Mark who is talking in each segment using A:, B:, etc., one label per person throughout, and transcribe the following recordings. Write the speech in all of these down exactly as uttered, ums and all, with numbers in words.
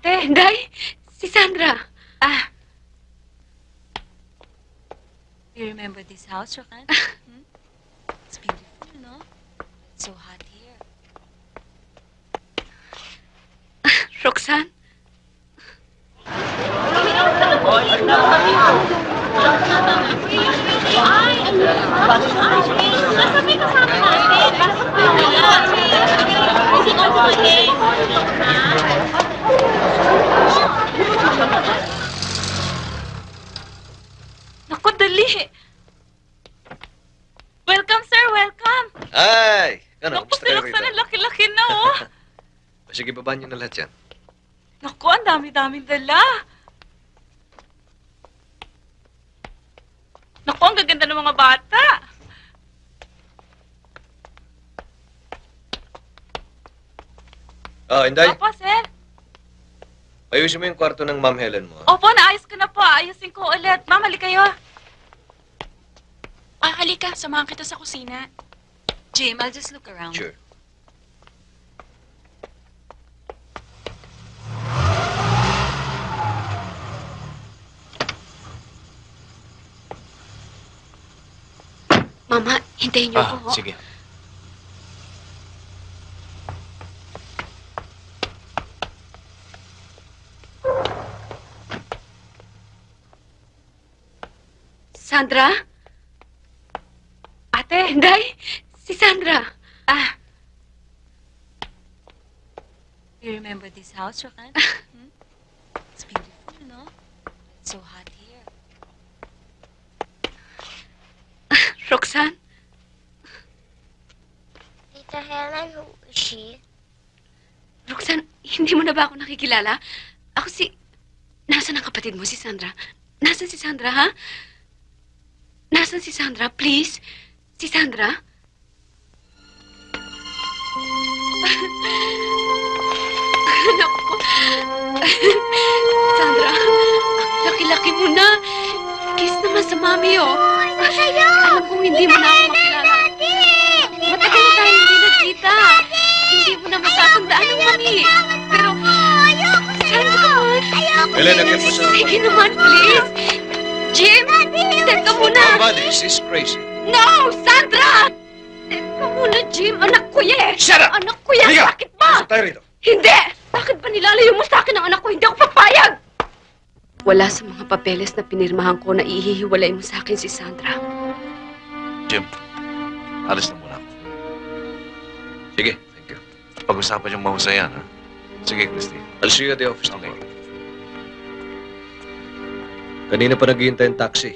A: Ate, Day, si Sandra. Ah,
B: You remember this house, Rokan? Hmm? It's beautiful, no? It's so hot here.
A: Roxanne? Naku, dali. Welcome, sir. Welcome.
C: Ay! Ano,
A: Naku,
C: kumusta
A: si
C: kayo rito?
A: Roxanne, ang laki-laki na, oh.
C: Sige, babaan nyo na lahat yan.
A: Naku, ang dami-daming dala. Naku, ang gaganda ng mga bata.
C: Oh, Inday,
A: Opo, sir.
C: ayusin mo yung kwarto ng Ma'am Helen mo. ah.
A: Opo, naayos ko na po. Ayusin ko ulit. Ma'am, hali kayo.
B: Ah, halika. Samahan kita sa kusina. Jim, I'll just look around.
C: Sure.
A: Mama, hintayin niyo
D: Ah,
A: ako. ho.
D: sige.
A: Sandra? Ate, Day, si Sandra. Ah,
B: You remember this house, Rokan? Hmm? It's beautiful, no? It's so hot here.
A: Roxanne?
E: Tita Helen, who is she?
A: Roxanne, hindi mo na ba ako nakikilala? Ako si... Nasaan ang kapatid mo, si Sandra? Nasaan si Sandra, ha? Nasaan si Sandra, please? Si Sandra? Naku. Sandra, ang laki-laki mo na. Kiss naman sa mami, oh. Alam kong hindi mo na ako makilala. Matagal na tayo hindi nagkita. Hindi mo na matatandaan ang mami. Pero, Sandra,
C: Helen, agad mo sa...
A: sige naman, please. Jim, teka muna.
C: Mama, this is crazy.
A: No, Sandra! Teka muna, Jim. Anak ko yan.
C: Shut up!
A: Anak ko yan.
C: Halika!
A: Bakit ba?
C: Pasok tayo rito.
A: Hindi! Bakit ba nilalayo mo sa akin ang anak ko? Hindi ako papayag! Wala sa mga papeles na pinirmahan ko na ihihiwalay mo sa akin si Sandra.
D: Jim, alis na muna ako.
C: Sige, thank you.
D: Pag-usapan yung mahusayan, ha? Sige, Christy.
C: I'll see you at the office
D: Okay.
C: tomorrow. Kanina pa naghihintay ang taxi.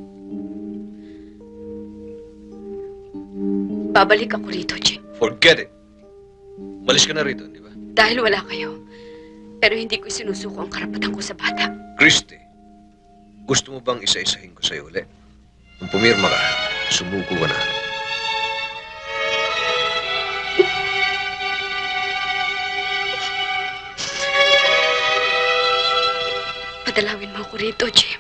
A: Babalik ako rito, Jim.
C: Forget it. Malis ka na rito, di ba?
A: Dahil wala kayo. Pero hindi ko sinusuko ang karapatan ko sa bata.
C: Christy, gusto mo bang isa-isahin ko sa'yo ulit? Nung pumirma ka, sumuko ka na.
A: Padalawin mo ako rito, Jim.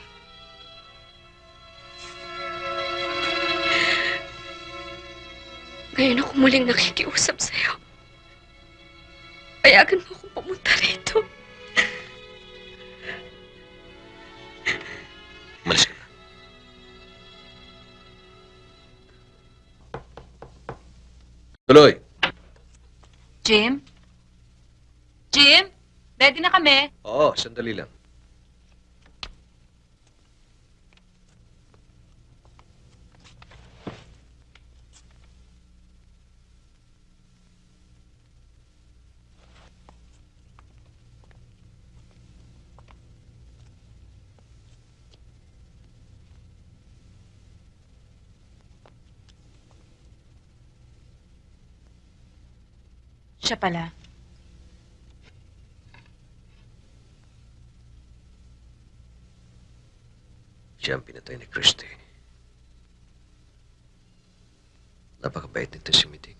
A: Ngayon ako muling nakikiusap sa'yo. Payagan mo akong pumunta rito.
C: Malis ka na. Tuloy.
B: Jim? Jim? Ready na kami?
C: Oo, sandali lang.
B: Siya pala.
C: Siya ang pinatay ni Christy. Napakabait nito si Miting.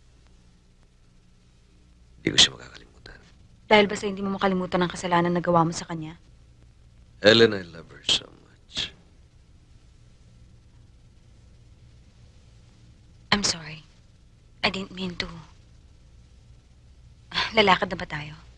C: Hindi ko siya makakalimutan.
B: Dahil ba sa hindi mo makalimutan ang kasalanan na gawa mo sa kanya?
C: Helen, I love her so much.
B: I'm sorry. I didn't mean to. Lalakad na ba tayo?